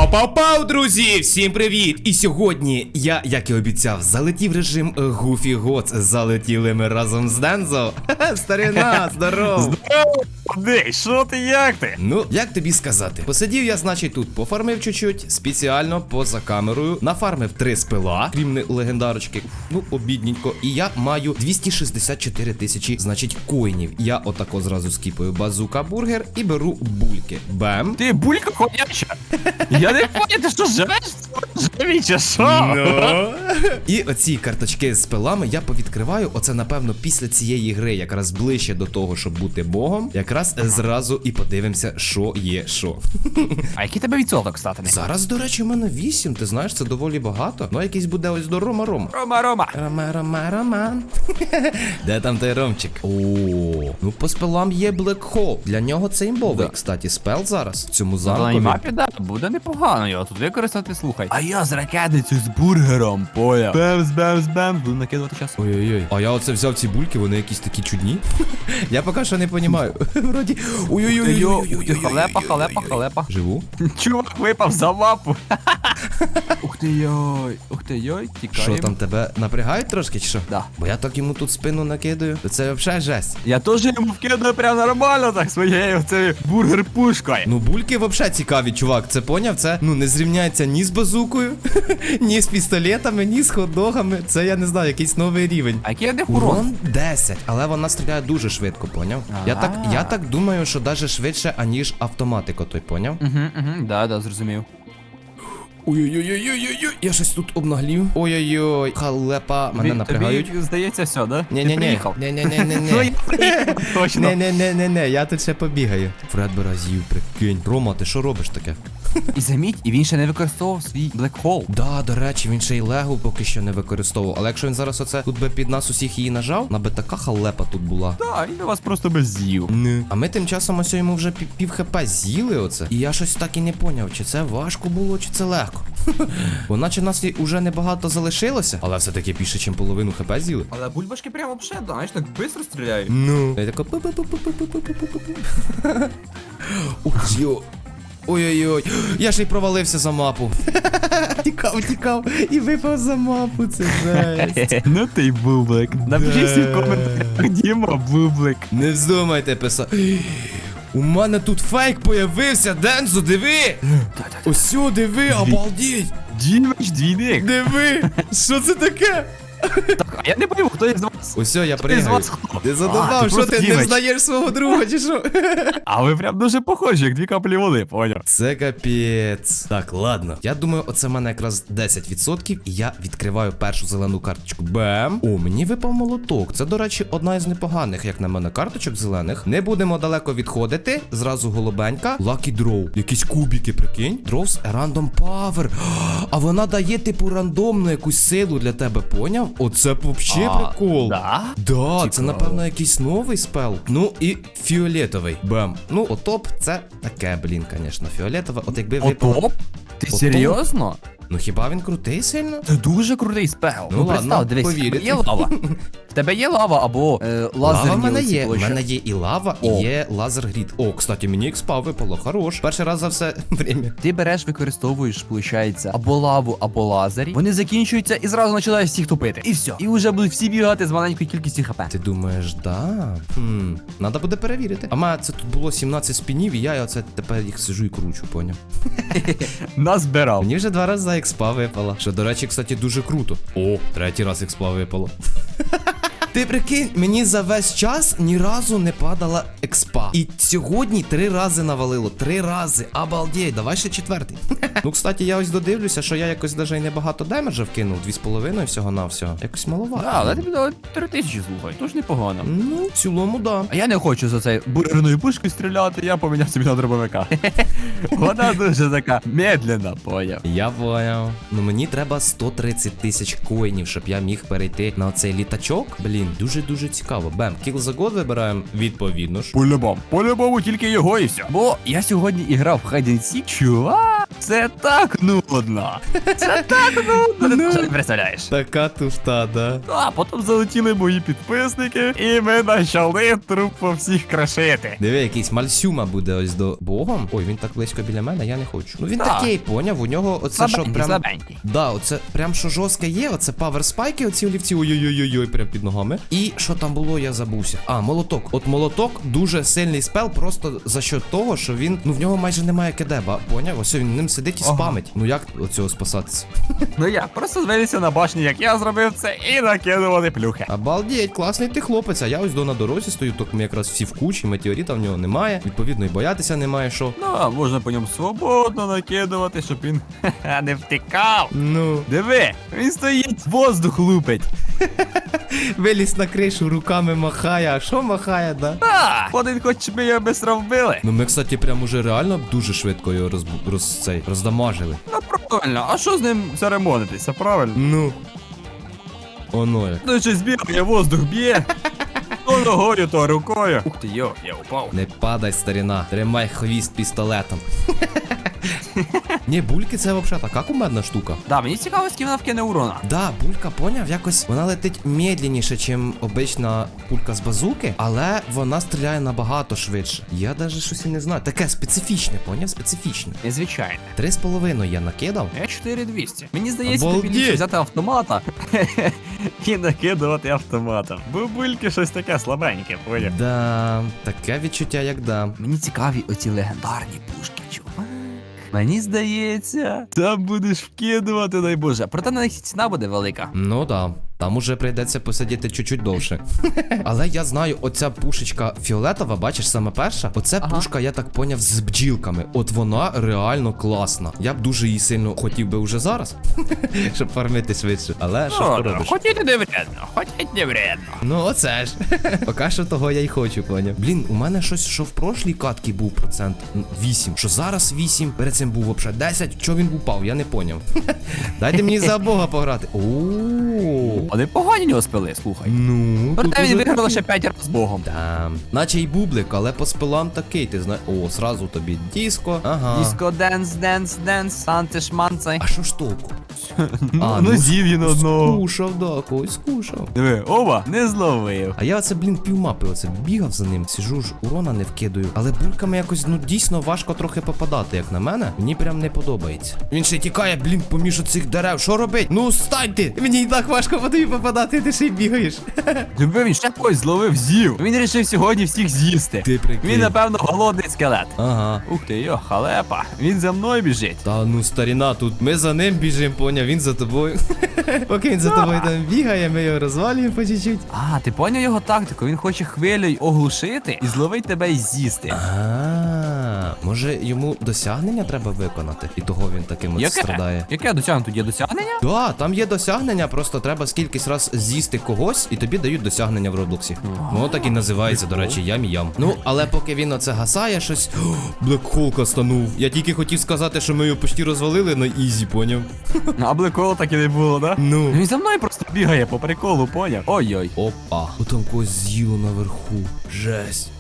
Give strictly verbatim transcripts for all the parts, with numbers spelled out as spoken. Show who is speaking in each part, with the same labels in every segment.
Speaker 1: Пау-пау-пау, друзі! Всім привіт! І сьогодні я, як і обіцяв, залетів режим Goofy Gods. Залетіли ми разом з Дензо. Ха-ха, старина, здоров!
Speaker 2: Здорово! Дей, що ти, як ти?
Speaker 1: Ну, як тобі сказати? Посидів я, значить, тут пофармив чуть-чуть, спеціально поза камерою. Нафармив три спила, крім не- легендарочки. Ну, обідненько. І я маю двісті шістдесят чотири тисячі, значить, коїнів. Я отако зразу скіпаю базука бургер і беру бульки. Бем.
Speaker 2: Ти булька ходяча? Я не пам'ятаю, ти що живеш? Живі чи що?
Speaker 1: Ну. І оці карточки з пилами я повідкриваю. Оце, напевно, після цієї гри, якраз ближче до того, щоб бути богом. Якраз зразу і подивимося, що є що.
Speaker 2: А який тебе відсоток, стати?
Speaker 1: Зараз, до речі, у мене вісім, ти знаєш, це доволі багато. Ну, якийсь буде ось до Рома Рома.
Speaker 2: Рома, Рома.
Speaker 1: Рома, Рома, Роман. Де там той Ромчик? О, ну по спелам є Black Hole. Для нього це імбовий,
Speaker 2: Да.
Speaker 1: кстати, спел зараз в цьому
Speaker 2: На
Speaker 1: замкові.
Speaker 2: мапі, да, буде непогано його тут використати, слухай. А я з ракетницею з бургером, поля. Бемс, бемс, бемс, буду накидувати час.
Speaker 1: Ой-ой-ой. А я оце взяв ці бульки, вони якісь такі чудні. Я поки що не розумію. Вроді. Ой-ой-ой.
Speaker 2: Халепа, халепа, халепа.
Speaker 1: Живу?
Speaker 2: Чувак випав за мапу. Ух ти йой, ух ти йой, тікаємо.
Speaker 1: Що там, тебе напрягають трошки, чи що?
Speaker 2: Да.
Speaker 1: Бо я так йому тут спину накидаю. То це взагалі жесть.
Speaker 2: Я теж йому вкидаю прям нормально так своєю цією бургер-пушкою.
Speaker 1: Ну, бульки взагалі цікаві, чувак. Це поняв? Це ну не зрівняється ні з базукою, ні з пістолетами, ні з хот-догами. Це я не знаю, якийсь новий рівень.
Speaker 2: А який я не урон?
Speaker 1: Урон десять, але вона стріляє дуже швидко, поняв? Я так, я так думаю, що навіть швидше, аніж автоматика, той поняв?
Speaker 2: Угу, угу, да, да, зрозумів.
Speaker 1: Ой-ой-ой-ой-ой-ой, я щось тут обнаглів. Ой-ой-ой, халепа, мене
Speaker 2: Тобі-
Speaker 1: напрягають.
Speaker 2: Тобі здається все, да? Ти
Speaker 1: Ні-ні-ні,
Speaker 2: приїхав? Ну,
Speaker 1: ні-ні-ні-ні-ні.
Speaker 2: я приїхав, точно.
Speaker 1: Не-не-не-не-не, я тут ще побігаю. Фредбера з'їв, прикинь. Рома, ти що робиш таке?
Speaker 2: І заміть, і він ще не використовував свій Black Hole.
Speaker 1: Да, до речі, він ще й легу поки що не використовував. Але якщо він зараз оце тут би під нас усіх її нажав, на би така халепа тут була.
Speaker 2: Так, він вас просто би з'їв.
Speaker 1: Не. А ми тим часом ось йому вже пів, пів хп з'їли оце. І я щось так і не поняв, чи це важко було, чи це легко. Бо наче нас і уже небагато залишилося, але все-таки більше, ніж половину хп з'їли.
Speaker 2: Але бульбашки прямо вообще, знаєш, так швидко стріляють.
Speaker 1: Ну. Я тако пу-пу-пу-пу-пу-пу-пу-пу-пу. Ух, йо. Ой-ой-ой, я ж й провалився за мапу. Тікав, тікав і випав за мапу, це жесть.
Speaker 2: Ну ти й бублик. Напиши всі в коментарях, Діма, бублик.
Speaker 1: Не вздумайте писати. У мене тут фейк появився, Дензо, диви! Ось сю, диви, обалдіть!
Speaker 2: Дімич двійник.
Speaker 1: Диви! Що це таке?
Speaker 2: Так, а я не пойму, хто із вас.
Speaker 1: Ось сю, я
Speaker 2: Хто із
Speaker 1: пригаю.
Speaker 2: вас хто?
Speaker 1: Ти
Speaker 2: А,
Speaker 1: задумав, що
Speaker 2: просто
Speaker 1: ти не
Speaker 2: Дімич.
Speaker 1: знаєш свого друга, чи що?
Speaker 2: А ви прям дуже похожі, як дві каплі води, поняв?
Speaker 1: Це капець. Так, ладно. Я думаю, оце в мене якраз десять відсотків, і я відкриваю першу зелену карточку. Бем. О, мені випав молоток. Це, до речі, одна із непоганих, як на мене, карточок зелених. Не будемо далеко відходити. Зразу голубенька. Lucky Draw. Якісь кубики, прикинь. Draws a random power. А вона дає, типу, рандомну якусь силу для тебе, поняв? Оце взагалі
Speaker 2: А,
Speaker 1: прикол.
Speaker 2: да?
Speaker 1: Да, це,
Speaker 2: Цікаво.
Speaker 1: напевно, якийсь новий спел. Ну і фіолетовий. Бем. Ну, отоп, це таке, блін, звісно, фіолетове. От якби випало.
Speaker 2: Отоп? Ти
Speaker 1: Отоп?
Speaker 2: серйозно?
Speaker 1: Ну хіба він крутий сильно?
Speaker 2: Це дуже крутий спел.
Speaker 1: Ну,
Speaker 2: Ну,
Speaker 1: ладно,
Speaker 2: представ, дивись, в тебе
Speaker 1: повірити.
Speaker 2: є лава. В тебе є лава або е,
Speaker 1: Лава
Speaker 2: лазерні
Speaker 1: в мене
Speaker 2: оці
Speaker 1: є. У
Speaker 2: площі.
Speaker 1: мене є і лава,
Speaker 2: О.
Speaker 1: і є лазер грід. О, кстати, мені експа випало, хорош. Перший раз за все время.
Speaker 2: Ти береш, використовуєш, виходить, або лаву, або лазері. Вони закінчуються і зразу починаєш всіх тупити. І все. І вже будуть всі бігати з маленькою кількістю хп.
Speaker 1: Ти думаєш, да? Хм, надо буде перевірити. А в мене це тут було сімнадцять спінів, і я оце тепер їх сижу і кручу, поняв?
Speaker 2: Назбирав.
Speaker 1: Мені вже два рази експа випала. Що, до речі, кстати, дуже круто. О, третій раз експа випало. Ти прикинь, мені за весь час ні разу не падала експа. І сьогодні три рази навалило. Три рази. Обалдеть, давай ще четвертий. Ну, кстати, я ось додивлюся, що я якось даже й небагато демеджа вкинув. Дві з половиною всього на всього. Якось маловато.
Speaker 2: Да, але тобі дали три тисячі, слухай. Тож непогано.
Speaker 1: Ну, в цілому, да.
Speaker 2: А я не хочу за цей бургерною пушкою стріляти, я поміняв собі на дробовика. Вона дуже така медленна, поняв.
Speaker 1: Я поняв. Ну мені треба сто тридцять тисяч коїнів, щоб я міг перейти на оцей літачок. Блін, Блін, дуже-дуже цікаво. Бем, кіл за год вибираємо відповідно ж.
Speaker 2: По-любому, по-любому тільки його і все. Бо я сьогодні іграв в Hide and Seek, чувак, це так нудно. Це так нудно, ти навіть не представляєш.
Speaker 1: Така туфта, да?
Speaker 2: А потім залетіли мої підписники, і ми почали труп по всіх крашити.
Speaker 1: Диви, якийсь мальсюма буде ось до богом. Ой, він так близько біля мене, я не хочу. Ну він
Speaker 2: Так.
Speaker 1: такий, поняв, у нього оце
Speaker 2: Слабенький,
Speaker 1: що прям.
Speaker 2: слабенький.
Speaker 1: Да, оце прям що жорстке є, оце павер спайки, оці олівці, ой-ой-ой-ой, прям під ногами. І що там було, я забувся. А, молоток. От молоток дуже сильний спел, просто за що того, що він, ну в нього майже немає кедеба, поняв? Ось він ним сидить і
Speaker 2: Ага.
Speaker 1: спамить. Ну як от цього спасатися?
Speaker 2: Ну як, просто звелися на башні, як я зробив це, і накидували плюхи.
Speaker 1: Обалдеть, класний ти хлопець, а я ось до на дорозі стою, так ми якраз всі в кучі, метеоріта в нього немає. Відповідно, і боятися немає що.
Speaker 2: Ну, а можна по ньому свободно накидувати, щоб він ха-ха, не втикав.
Speaker 1: Ну,
Speaker 2: Диви, він стоїть, воздух лупить.
Speaker 1: виліз на кришу, руками махає, а що махає, да?
Speaker 2: А, один хоч щоб ми його бистро вбили.
Speaker 1: Ну ми, кстати, прям уже реально дуже швидко його роз, роз, цей, роздамажили.
Speaker 2: Ну правильно, а що з ним церемонитися, правильно?
Speaker 1: Ну. Оно як.
Speaker 2: Ну щось бігає, воздух б'є. То ногою, то рукою. Ух ти, йо, я упав.
Speaker 1: Не падай, старіна. Тримай хвіст пістолетом. Ні, бульки це взагалі така кумедна штука.
Speaker 2: Да, мені цікаво, скільки вона вкине урона.
Speaker 1: Да, булька, поняв, якось вона летить медленніше, ніж обична пулька з базуки, але вона стріляє набагато швидше. Я навіть щось і не знаю. Таке специфічне, поняв? Специфічне.
Speaker 2: Незвичайне.
Speaker 1: Три з половиною я накидав.
Speaker 2: Я чотири двісті. Мені здається, тобі
Speaker 1: Обалдеть!
Speaker 2: ліпше взяти автомата і накидувати автоматом. Бо бульки щось таке слабеньке, поняв.
Speaker 1: Да, таке відчуття, як да.
Speaker 2: Мені цікаві оці легендарні пушки, чувак. Мені здається, там будеш вкидувати, дай Боже. Проте на них ціна буде велика.
Speaker 1: Ну да. Там уже прийдеться посидіти чуть-чуть довше. Але я знаю, оця пушечка фіолетова, бачиш, саме перша. Оце
Speaker 2: Ага.
Speaker 1: пушка, я так поняв, з бджілками. От вона реально класна. Я б дуже її сильно хотів би вже зараз, щоб фармити швидше. Але що ж поробиш?
Speaker 2: Хотіти не вредно, хотіть не вредно.
Speaker 1: Ну оце ж. Поки що того я й хочу, поняв. Блін, у мене щось, що в прошлій катці був процент вісім, що зараз вісім, перед цим був взагалі десять. Чого він упав, я не поняв. Дайте мені за Бога пограти. Ооо.
Speaker 2: А не погані нього спили, слухай.
Speaker 1: Ну,
Speaker 2: Проте
Speaker 1: тут
Speaker 2: він
Speaker 1: уже
Speaker 2: виграв
Speaker 1: такі.
Speaker 2: лише п'ять разів з Богом.
Speaker 1: Там. Наче й бублик, але по спилам такий, ти знаєш. О, сразу тобі диско. Ага.
Speaker 2: Диско, денс, денс, денс, танці, шманцай.
Speaker 1: А що ж толку?
Speaker 2: Ну,
Speaker 1: А,
Speaker 2: ну з'їв він одного.
Speaker 1: Скушав, да, когось скушав.
Speaker 2: Диви, оба, не зловив.
Speaker 1: А я оце, блін, півмапи оце бігав за ним, сижу ж, урона не вкидаю. Але бульками якось, ну, дійсно важко трохи попадати, як на мене. Мені прям не подобається. Він ще тікає, блін, поміж оцих дерев. Що робить? Ну, станьте! Мені і так важко по тобі попадати, ти ще й бігаєш.
Speaker 2: Диви, він ще когось зловив, з'їв. Він вирішив сьогодні всіх з'їсти.
Speaker 1: Ти прикинь.
Speaker 2: Він, напевно, голодний скелет.
Speaker 1: Ага.
Speaker 2: Ух ти, йо, халепа. Він за мною біжить.
Speaker 1: Та ну старіна, тут ми за ним біжимо, поняв, він за тобою. Поки він за тобою там бігає, ми його розвалюємо по чуть-чуть.
Speaker 2: А, ти поняв його тактику? Він хоче хвилею оглушити і зловить тебе і з'їсти.
Speaker 1: А, може йому досягнення треба виконати? І того він таким от страдає.
Speaker 2: Яке досягнення? Тут є досягнення?
Speaker 1: Да, там є досягнення, просто треба скількись раз з'їсти когось, і тобі дають досягнення в Роблоксі. Ну, так і називається, до речі, ям-ям. Ну, але поки він оце гасає щось. Блекхолка станув. Я тільки хотів сказати, що ми його почти розвалили на ізі, поняв?
Speaker 2: А блеколу так і не було, да?
Speaker 1: Ну.
Speaker 2: Він за мною просто бігає по приколу, поняв? Ой-ой.
Speaker 1: Опа. О, там когось з'їло наверху. Жесть.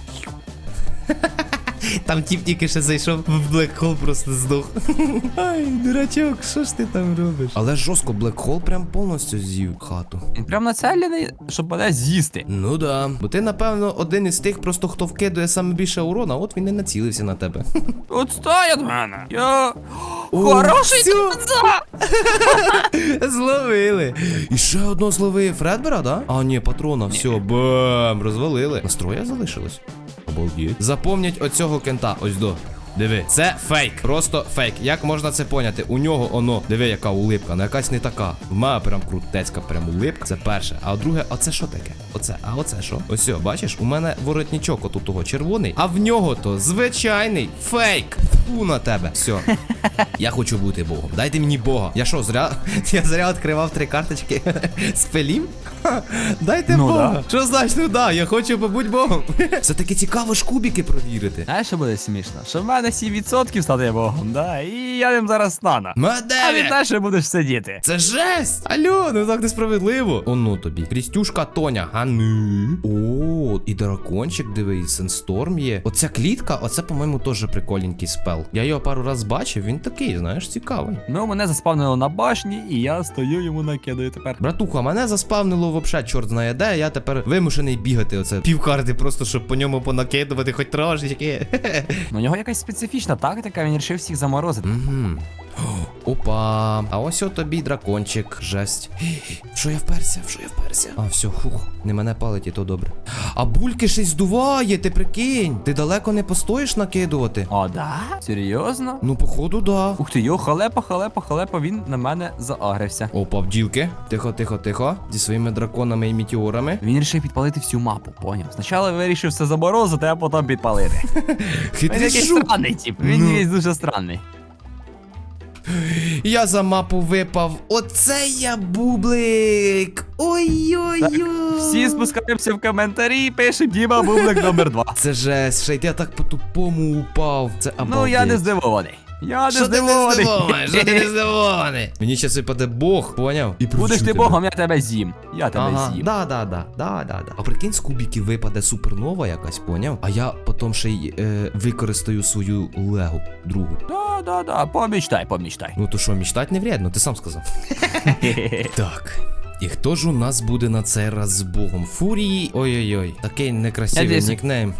Speaker 1: Там тіп тільки ще зайшов в блекхол, просто здох. Ай, дурачок, що ж ти там робиш? Але жорстко, блекхол прям повністю з'їв хату.
Speaker 2: Він прям націлений, щоб мене з'їсти.
Speaker 1: Ну да. Бо ти, напевно, один із тих, просто хто вкидує саме більше урона, от він і націлився на тебе.
Speaker 2: Отстой від мене. Я...
Speaker 1: О,
Speaker 2: Хороший
Speaker 1: всьо.
Speaker 2: тупця!
Speaker 1: Зловили. І ще одного зловив Фредбера, да? А, ні, патрона, все, бам, розвалили. Настроя залишилось. Обалдіть. Запомнять оцього кента, ось до. Диви, це фейк, просто фейк. Як можна це поняти? У нього оно, диви, яка улипка, ну якась не така. В мене прям крутецька, прям улипка. Це перше. А друге, а це що таке? Оце, а оце що? Ось, о, бачиш, у мене воротничок отут того червоний, а в нього то звичайний фейк. Фу на тебе. Все. Я хочу бути богом. Дайте мені бога. Я що, зря? Я зря відкривав три карточки з пелів? Ха, дайте
Speaker 2: Ну,
Speaker 1: бога.
Speaker 2: да.
Speaker 1: Що значить, ну да, я хочу побути богом. Все таки цікаво ж кубики провірити.
Speaker 2: Знаєш, що буде смішно? Що в мене мене сім відсотків стати богом, да, і я ним зараз стану. А від
Speaker 1: Дев'ять!
Speaker 2: далі будеш сидіти.
Speaker 1: Це жесть! Алло, ну так несправедливо. О, ну тобі. Крістюшка Тоня, а ну. О, і дракончик, дивись, Сенсторм є. Оця клітка, оце, по-моєму, теж прикольненький спел. Я його пару раз бачив, він такий, знаєш, цікавий.
Speaker 2: Ну, мене заспавнило на башні, і я стою йому накидаю тепер.
Speaker 1: Братуха, мене заспавнило вообще, чорт знає де, я тепер вимушений бігати оце півкарти, просто щоб по ньому понакидувати хоч трошечки.
Speaker 2: Ну, у нього якась специфічна тактика, він вирішив всіх заморозити.
Speaker 1: Угу. Опа. А ось от тобі дракончик. Жесть. Що я вперся? Що я вперся? А, все, хух. Не мене палить, і то добре. А бульки ще й здуває, ти прикинь. Ти далеко не постоїш накидувати?
Speaker 2: О, да? Серйозно?
Speaker 1: Ну, походу, да.
Speaker 2: Ух ти, йо, халепа, халепа, халепа, він на мене заагрився.
Speaker 1: Опа, бджілки. Тихо, тихо, тихо. Зі своїми драконами і метеорами.
Speaker 2: Він вирішив підпалити всю мапу, поняв? Спочатку вирішив все заморозити, а потім підпалити. Він
Speaker 1: Хитрий
Speaker 2: якийсь
Speaker 1: жук.
Speaker 2: странний тип, він
Speaker 1: Ну.
Speaker 2: якийсь дуже странний.
Speaker 1: Я за мапу випав. Оце я бублик. Ой-ой-ой.
Speaker 2: Всі спускаємося в коментарі і пишемо Діма Бублик номер два.
Speaker 1: Це жесть, ще й я так по-тупому упав. Це обалдеть.
Speaker 2: Ну я не здивований. Я не
Speaker 1: Що ти не
Speaker 2: здивований.
Speaker 1: здивований? Що ти не здивований? Мені щас випаде Бог, поняв? І
Speaker 2: Будеш
Speaker 1: привчу
Speaker 2: ти
Speaker 1: тебе.
Speaker 2: богом, я тебе з'їм. Я тебе
Speaker 1: Ага,
Speaker 2: з'їм.
Speaker 1: да, да, да, да, да, да. А прикинь, з кубиків випаде супернова якась, поняв? А я потім ще й е, використаю свою легу другу.
Speaker 2: Да, да, да, помічтай, помічтай.
Speaker 1: Ну то що, мечтать не вредно, ти сам сказав. Так. І хто ж у нас буде на цей раз з Богом? Фурії. Ой-ой-ой, такий некрасивий
Speaker 2: Надіюсь.
Speaker 1: нікнейм.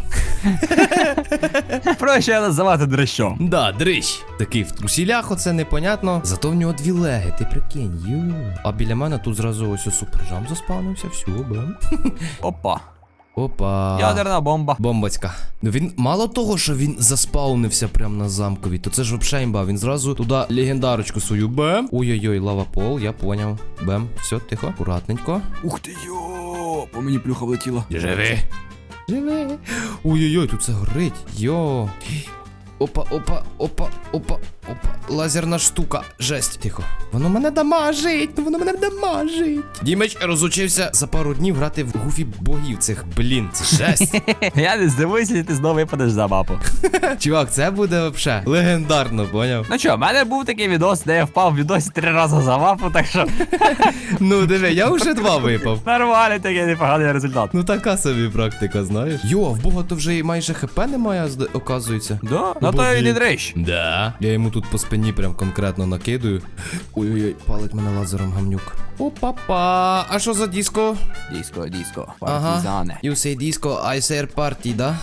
Speaker 2: Проще називати дрищом.
Speaker 1: Да, дрищ. Такий в трусілях, оце непонятно. Зато в нього дві леги, ти прикинь. Ю. А біля мене тут зразу ось супержам заспавнився, все, бем.
Speaker 2: Опа.
Speaker 1: Опа.
Speaker 2: Ядерна бомба.
Speaker 1: Бомбацька. Ну він мало того, що він заспаунився прямо на замкові, то це ж вообще імба. Він зразу туди легендарочку свою бем. Ой-ой-ой, лава пол, я поняв. Бем. Все, тихо, акуратненько.
Speaker 2: Ух ти йо, по мені плюха влетіла.
Speaker 1: Живи. Живи. Ой-ой-ой, тут це горить. Йо. Опа, опа, опа, опа, опа. Лазерна штука. Жесть. Тихо. Воно мене дамажить. Ну воно мене дамажить. Дімич розучився за пару днів грати в гуфі богів цих, блін. Це жесть.
Speaker 2: Я не здивуюся, якщо ти знову випадеш за мапу.
Speaker 1: Чувак, це буде вообще легендарно, поняв?
Speaker 2: Ну що, в мене був такий відос, де я впав в відосі три рази за мапу, так що
Speaker 1: Ну диви, я вже два випав.
Speaker 2: нормальний такий непоганий результат.
Speaker 1: Ну така собі практика, знаєш. Йо, а в Бога то вже і майже хп немає, зда- оказується.
Speaker 2: Да? На то і не дрищ.
Speaker 1: Да. Я йому тут по спині прям конкретно накидаю. Ой-ой-ой, палить мене лазером гамнюк. Опа-па. А що за диско?
Speaker 2: Диско, диско,
Speaker 1: Ага.
Speaker 2: партизани.
Speaker 1: You say disco, I say party, да?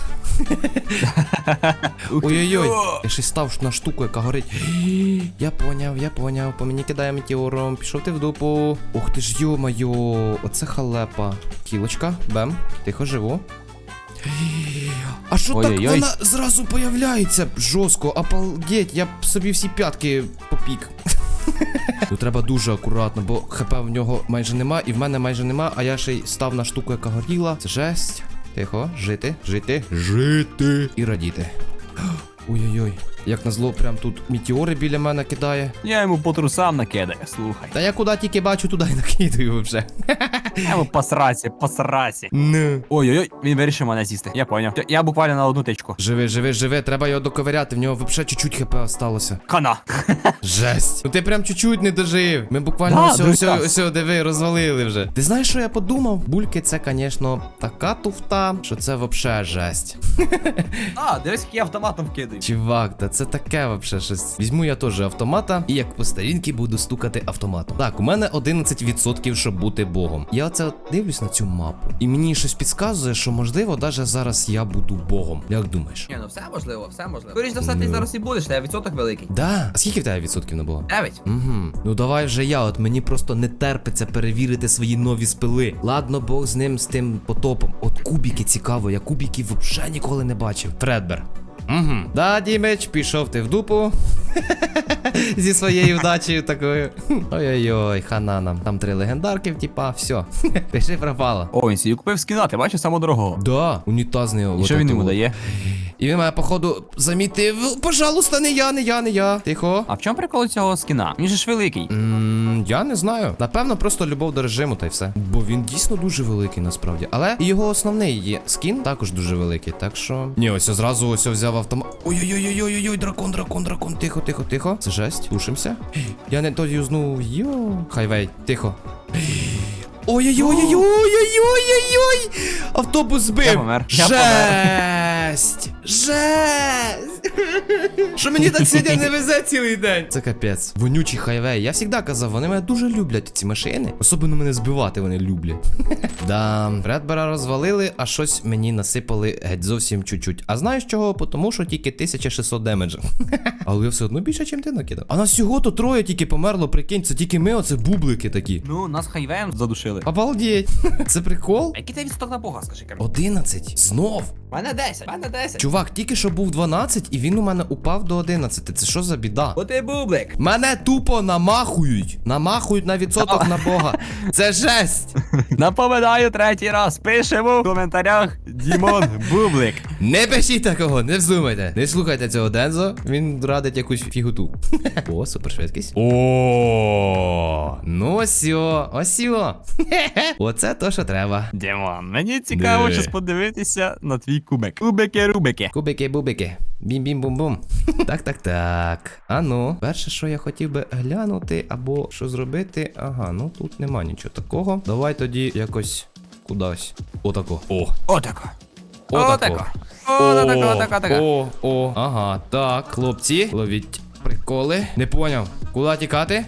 Speaker 1: Ой-ой-ой. Я ще й став на штуку, яка горить. Я поняв, я поняв. По мені кидає метеором. Пішов ти в дупу. Ух ти ж, йо-майо. Оце халепа. Кілочка, бем. Тихо живу. А що так
Speaker 2: Ой-ой-ой.
Speaker 1: вона зразу появляється? Жорстко, обалдеть, я б собі всі п'ятки попік. Ну треба дуже акуратно, бо хп в нього майже нема, і в мене майже нема, а я ще й став на штуку, яка горіла. Це жесть. Тихо, жити, жити, жити і радіти. Ой-ой-ой. Як назло, прям тут метеори біля мене кидає.
Speaker 2: Я йому по трусам накидаю, слухай.
Speaker 1: Та я куди тільки бачу, туди й накидаю вже.
Speaker 2: Я йому по сраці, по сраці.
Speaker 1: Ну.
Speaker 2: Ой-ой-ой, він вирішив мене з'їсти. Я поняв. Я- Я буквально на одну тичку.
Speaker 1: Живи, живи, живи, треба його доковиряти, в нього взагалі чуть-чуть хп осталося.
Speaker 2: Хана.
Speaker 1: Жесть. Ну ти прям чуть-чуть не дожив. Ми буквально
Speaker 2: Да,
Speaker 1: ось,
Speaker 2: дуже
Speaker 1: ось,
Speaker 2: так.
Speaker 1: ось, ось, диви, розвалили вже. Ти знаєш, що я подумав? Бульки це, звісно, така туфта, що це взагалі жесть.
Speaker 2: А, дивись, як я автоматом вкидаю.
Speaker 1: Чувак, та це таке взагалі щось. Візьму я теж автомата і як по старінки буду стукати автоматом. Так, у мене одинадцять відсотків, щоб бути богом. Я оце от дивлюсь на цю мапу. І мені щось підказує, що можливо, навіть зараз я буду богом. Як думаєш?
Speaker 2: Ні, ну все можливо, все можливо. Скоріше за все,
Speaker 1: Ну.
Speaker 2: ти зараз і будеш, та відсоток великий.
Speaker 1: Да. А скільки в тебе відсотків на бога?
Speaker 2: Дев'ять.
Speaker 1: Угу. Ну давай вже я, от мені просто не терпиться перевірити свої нові спили. Ладно, Бог з ним, з тим потопом. От кубики цікаво, я кубиків взагалі ніколи не бачив. Фредбер. Угу. Да, Дімич, пішов ти в дупу. Зі своєю вдачею такою. Ой-ой-ой, хана нам. Там три легендарки, типа, все. Пиши пропало.
Speaker 2: О, він собі купив скіна, ти бачиш самого дорогого.
Speaker 1: Да, унітазний.
Speaker 2: І що він йому дає?
Speaker 1: І він мене, походу, замітив. Пожалуйста, не я, не я, не я. Тихо.
Speaker 2: А в чому прикол цього скіна? Він же ж великий.
Speaker 1: М, М, я не знаю. Напевно, просто любов до режиму та й все. Бо він дійсно дуже великий насправді. Але і його основний є скін також дуже великий. Так що. Ні, ось зразу ось взяв автомат. Ой-ой-ой-ой-ой, дракон, дракон, дракон. Тихо, тихо, тихо. Це жесть. Тушимося. Я не то юзнув. Йо. Хайвей, тихо. Ой-ой-ой-ой-ой-ой-ой-ой! Автобус збив!
Speaker 2: Я помер. Я
Speaker 1: Жесть! Жесть! Що мені так сьогодні не везе цілий день? Це капець. Вонючий хайвей. Я завжди казав, вони мене дуже люблять, ці машини. Особливо мене збивати вони люблять. Да, Фредбера розвалили, а щось мені насипали геть зовсім чуть-чуть. А знаєш чого? Тому що тільки тисяча шістсот демеджа. Але я все одно більше, чим ти накидав. А нас всього-то троє тільки померло, прикинь, це тільки ми, оце бублики такі.
Speaker 2: Ну, нас хайвеєм задушили.
Speaker 1: Обалдеть. Це прикол?
Speaker 2: А який ти відсоток на Бога, скажи ка?
Speaker 1: одинадцять. Знов.
Speaker 2: У мене десять, у мене десять.
Speaker 1: Чувак, тільки що був дванадцять, і він у мене упав до одинадцяти. Це що за біда?
Speaker 2: О ти бублик.
Speaker 1: Мене тупо намахують. Намахують на відсоток на Бога. Це жесть.
Speaker 2: Напоминаю третій раз. Пишемо в коментарях Дімон Бублик.
Speaker 1: Не пишіть такого, не вздумайте. Не слухайте цього Дензо, він радить якусь фігуту. О, супершвидкість. О, ну осьо, осьо. Оце то, що треба.
Speaker 2: Дімон, мені цікаво
Speaker 1: Не.
Speaker 2: щось подивитися на твій кубик. Кубики-рубики.
Speaker 1: Кубики-бубики. Бім-бім-бум-бум. Так, так, так. А ну, перше, що я хотів би глянути, або що зробити. Ага, ну тут нема нічого такого. Давай тоді якось кудись. Отако. О.
Speaker 2: Отако.
Speaker 1: Отако.
Speaker 2: Отако. Отако, отако, отако.
Speaker 1: О, о, ага. Так, хлопці, ловіть приколи. Не поняв. Куди тікати?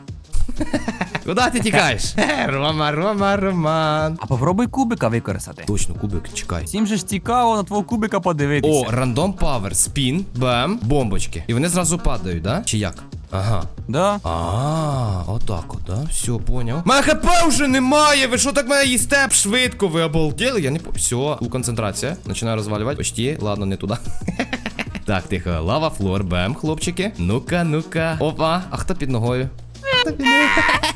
Speaker 1: Куди ти тікаєш? Рома, Рома, Роман.
Speaker 2: А попробуй кубика використати.
Speaker 1: Точно, кубик, чекай.
Speaker 2: Всім же ж цікаво на твого кубика подивитися.
Speaker 1: О, рандом павер, спін, бем, бомбочки. І вони зразу падають, да? Чи як? Ага.
Speaker 2: Да?
Speaker 1: А, отак от, да? Все, поняв. Мене хп вже немає! Ви що так мене їсте швидко? Ви обалдели? Я не по. Все, у концентрація. Починаю розвалювати. Почти, ладно, не туди. Так, тихо, лава флор, бем, хлопчики. Ну-ка, ну-ка. Опа, а хто під ногою? Хто під ногою?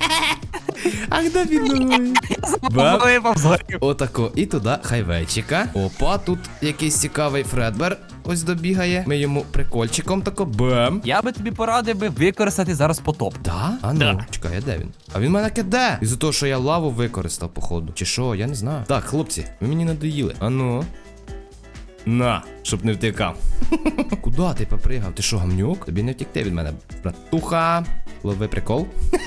Speaker 1: А хто під ногою? Бем.
Speaker 2: Випав згорів.
Speaker 1: Отако, і туди хайвейчика. Опа, тут якийсь цікавий Фредбер. Ось добігає. Ми йому прикольчиком тако. Бем.
Speaker 2: Я би тобі порадив би використати зараз потоп.
Speaker 1: Да? А ну,
Speaker 2: Да.
Speaker 1: чекай, а де він? А він мене киде. Із-за того, що я лаву використав, походу. Чи що, я не знаю. Так, хлопці, ви мені надоїли. А ну. На, щоб не втікав. Куда ти попригав? Ти що, гамнюк? Тобі не втікти від мене, братуха. Лови прикол.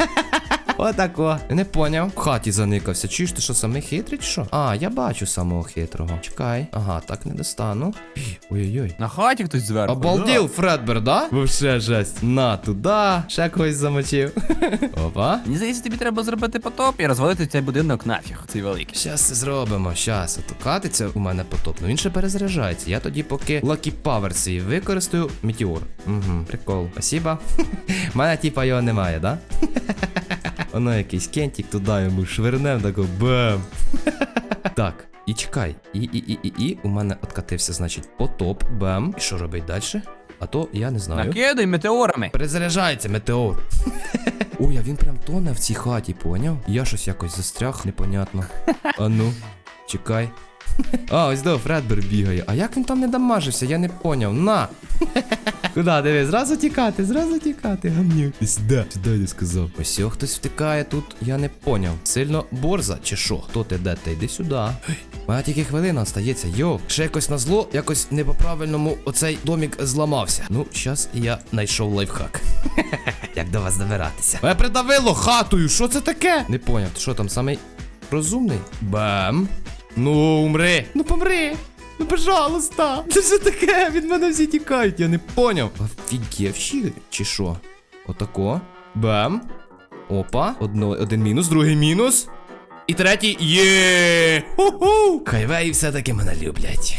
Speaker 1: Отако. Не поняв. В хаті заникався. Чуєш, ти що, самий хитрий чи що? А, я бачу самого хитрого. Чекай. Ага, так не достану. Ой-ой-ой.
Speaker 2: На хаті хтось зверху.
Speaker 1: Обалдів, Фредбер, да? Вообще жесть. На, туди. Ще когось замочив. Опа.
Speaker 2: Мені здається, тобі треба зробити потоп і розвалити цей будинок нафіг. Цей великий.
Speaker 1: Щас це зробимо, щас. Ото катиться у мене потоп. Ну він ще перезаряджається. Я тоді поки Lucky Power свій використаю метеор. Угу, прикол. Спасибо. У мене типа його немає, да? Воно якийсь кентик туди йому швирнем, тако бам. Так, і чекай. І, і, і, і, і. У мене откатився, значить, потоп, бам. І що робить далі? А то я не знаю.
Speaker 2: Накидай метеорами.
Speaker 1: Перезаряджається метеор. Ой, а він прям тоне в цій хаті, поняв? Я щось якось застряг, непонятно. А ну, чекай. А, ось до Фредбер бігає. А як він там не дамажився, я не поняв. На! Куда, диви, зразу тікати, зразу тікати, гамнюк. Ти сюди, сюди я сказав. Ось о, хтось втикає тут, я не поняв. Сильно борза чи що? Хто ти де? Ти йди сюди. У мене тільки хвилина остається. Йо, ще якось на зло, якось не по-правильному оцей домік зламався. Ну, щас я знайшов лайфхак. Як до вас добиратися? Мене придавило хатою, що це таке? Не поняв, ти що там самий розумний? Бам. Ну, умри. Ну, помри. Ну, пожалуйста. Це що таке? Від мене всі тікають, я не поняв. Офігевші, чи що? Отако. Бам. Опа. Одно, один мінус, другий мінус. І третій. Є! Ху-ху! Хайвеї все-таки мене люблять.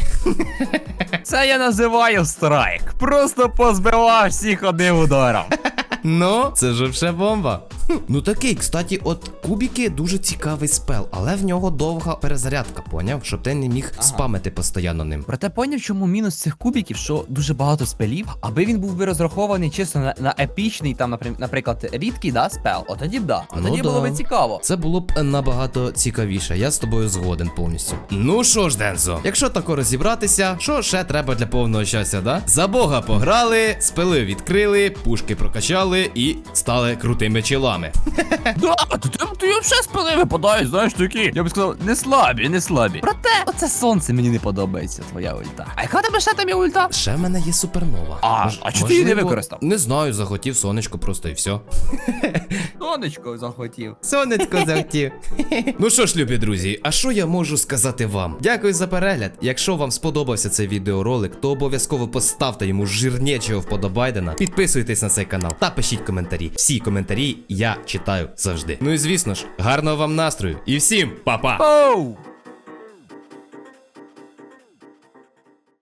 Speaker 2: Це я називаю страйк. Просто позбивав всіх одним ударом.
Speaker 1: Ну, це ж вже бомба. Хм, ну такий, кстати, от кубики дуже цікавий спел, але в нього довга перезарядка, поняв? Щоб ти не міг
Speaker 2: Ага.
Speaker 1: спамити постійно ним.
Speaker 2: Проте поняв, чому мінус цих кубиків, що дуже багато спелів, аби він був би розрахований чисто на, на епічний, там, наприм- наприклад, рідкий, да, спел, от тоді б да. От
Speaker 1: Ну
Speaker 2: тоді
Speaker 1: да.
Speaker 2: було би цікаво.
Speaker 1: Це було б набагато цікавіше, я з тобою згоден повністю. Ну що ж, Дензо, якщо тако розібратися, що ще треба для повного щастя, да? За Бога пограли, спели відкрили, пушки прокачали і стали крутими чолами. вами.
Speaker 2: Да, то ти, ти взагалі з пили випадаєш, знаєш, такі. Я б сказав, не слабі, не слабі. Проте, оце сонце мені не подобається, твоя ульта. А яка в тебе ще там є ульта?
Speaker 1: Ще в мене є супернова.
Speaker 2: А,
Speaker 1: Мож-
Speaker 2: а чого ти її не
Speaker 1: можливо,
Speaker 2: використав?
Speaker 1: Не знаю, захотів сонечко просто і все.
Speaker 2: Сонечко захотів.
Speaker 1: Сонечко захотів. Ну що ж, любі друзі, а що я можу сказати вам? Дякую за перегляд. Якщо вам сподобався цей відеоролик, то обов'язково поставте йому жирнячого вподобайдена, підписуйтесь на цей канал та пишіть коментарі. Всі коментарі я читаю завжди. Ну і звісно ж, гарного вам настрою і всім па-па!
Speaker 2: Оу!